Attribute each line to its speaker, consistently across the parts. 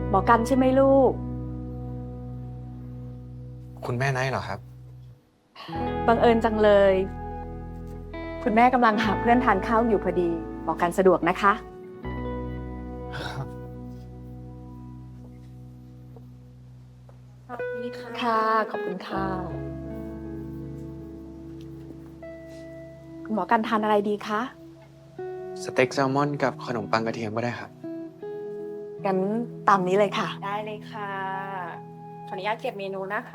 Speaker 1: หมอกันใช่ไหมลูก
Speaker 2: คุณแม่ไนท์เหรอครับ
Speaker 1: บังเอิญจังเลย คุณแม่กำลังหาเพื่อนทานข้าวอยู่พอดีหมอกันสะดวกนะคะค่ะขอบคุณค่ะคุณหมอกันทานอะไรดีคะ
Speaker 2: สเต็กแซลมอนกับขนมปังกระเทียมก็ได้ครับ
Speaker 1: งั้นตามนี้เลยค่ะ
Speaker 3: ได้เลยค่ะ ขออนุญาตเก็บเมนูนะคะ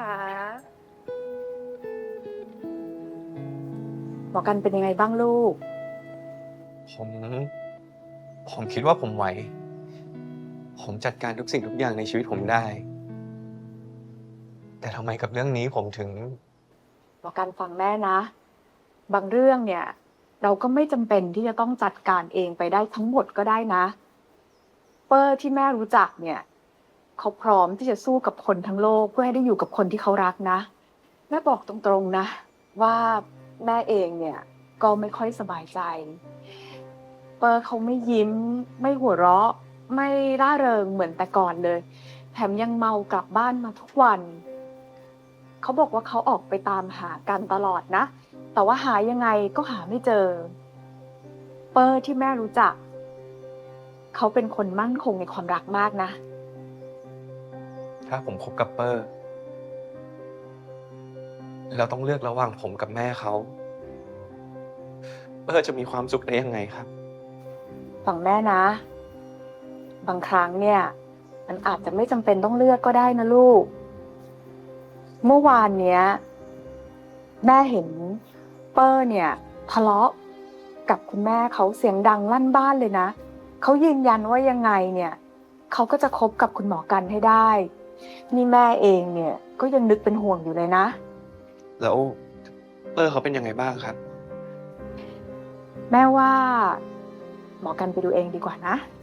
Speaker 1: หมอกันเป็นยังไงบ้างลูก
Speaker 2: ผม ผมคิดว่าผมไหว ผมจัดการทุกสิ่งทุกอย่างในชีวิตผมได้ แต่ทำไมกับเรื่องนี้ผมถึง
Speaker 1: หมอกันฟังแม่นะ บางเรื่องเนี่ย เราก็ไม่จำเป็นที่จะต้องจัดการเองไปได้ทั้งหมดก็ได้นะ เปอร์ที่แม่รู้จักเนี่ยเขาพร้อมที่จะสู้กับคนทั้งโลกเพื่อให้ได้อยู่กับคนที่เขารักนะแม่บอกตรงๆนะว่าแม่เองเนี่ยก็ไม่ค่อยสบายใจเปอร์เขาไม่ยิ้มไม่หัวเราะไม่ร่าเริงเหมือนแต่ก่อนเลยแถมยังเมากลับบ้านมาทุกวันเขาบอกว่าเขาออกไปตามหากันตลอดนะแต่ว่าหายังไงก็หาไม่เจอเปอร์ที่แม่รู้จักเขาเป็นคนมั่นคงในความรักมากนะ
Speaker 2: ถ้าผมคบกับเปอร์เราต้องเลือกระหว่างผมกับแม่เขา เปอร์จะมีความสุขได้ยังไงครับ
Speaker 1: ฝั่งแม่นะ บางครั้งเนี่ยมันอาจจะไม่จำเป็นต้องเลือกก็ได้นะลูก เมื่อวานเนี้ยแม่เห็นเปอร์เนี่ยทะเลาะกับคุณแม่เขาเสียงดังลั่นบ้านเลยนะเขายืนยันว่ายังไงเนี่ยเขาก็จะคบกับคุณหมอกันให้ได้นี่แม่เองเนี่ยก็ยังนึกเป็นห่วงอยู่เลยนะ
Speaker 2: แล้วเปอร์เขาเป็นยังไงบ้างครับ
Speaker 1: แม่ว่าหมอกันไปดูเองดีกว่านะ